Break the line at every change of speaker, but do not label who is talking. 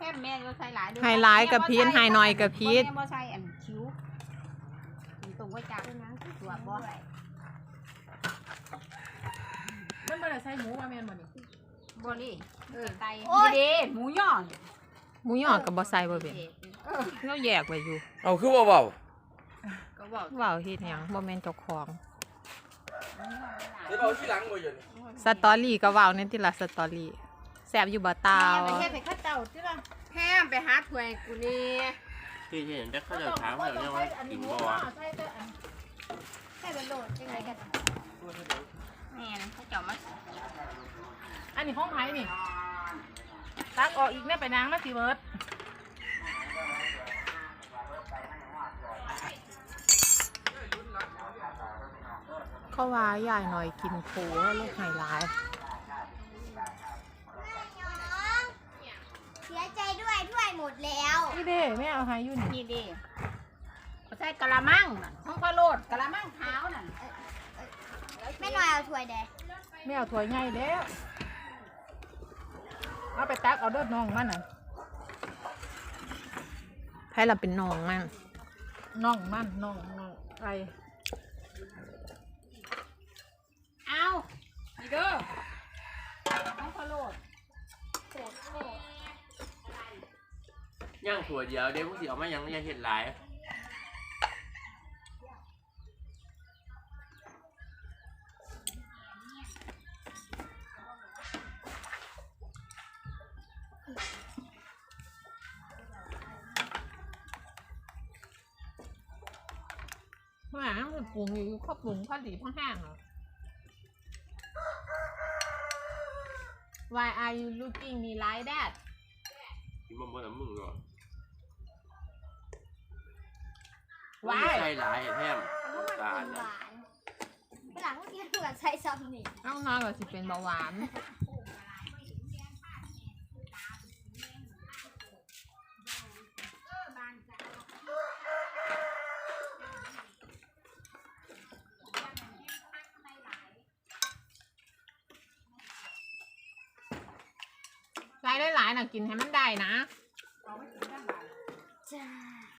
แม่ก็ใส่หลาย
ไฮไลท์กับพีชไฮน้อยกับพีช
แม่บ่ใส่อันคิ้วตรงไว้จากตัวบ่
มันบ่ได้ใส่หมูว่าแม่นบ่นี่
บ่นี่ไตดีหมูย่อ
หมูหยอดกับบ่ใส่บ่เป็นเราแยกไว้อยู่
เอาคือเบา
ก็บอก
ว้าวเฮ็ดหยังบ่แม่นเจ้าของ
ๆได้เบาที่หลังบ่อยู่
สตอรี่ก็ว้าวในที่ละสตอรี่แซ่บอยู่บ่ตาว
ไปเฮ็ดให้ข้าเจ้าที่ละแฮมไปหาถ้วยกูนี่
ที่เห็นแต่เขาจะถามว่าเนี่ยว่ากินบ่วะ
ให้เป็นโหลดจังไดกันแม่นข้าเจ้ามา
อันนี้ของไผนี่ตักออกอีกแม่ไปนางมาสิเบิด
เขาว่ายายหน่อยกินโผลูกไฮไลท์
เสียใจด้วยถ้วยหมดแล้ว
นี่เด้แม่เอาให้อยู่นี่
นี่ดิใส่กะละมังห้องพะโลดกะละมังขาวนั่น
แม่หน่อยเอาถ้วยแดง
แม่เอาถ้วยใหญ่แล้วเอาไปตักเอาเด้อน้องมันน่ะ
ให้เราเป็นน้องมัน
น้องมันน้องไก่
เอานี่เด้อห้องพะโลด
ย่างถั่วเดียวเดี๋ยวพวกสิเอามายังเห็ดหลาย
แม่มันปรุงอยู่ข้าวปรุงข้าวดีข้าวแห้งเหรอ Why are you looking me like that
กินบ่บ่น้ำมึงหรอ
Why
ใส่หลายแท้ม
มัน
ตาล
หวานเวลาพวกนี้เหมือนใส่ซอมนี่
น้องน้อยก็สิเป็นเบาหวานใส่ได้หลายนะกินให้มันได้นะ
จ้า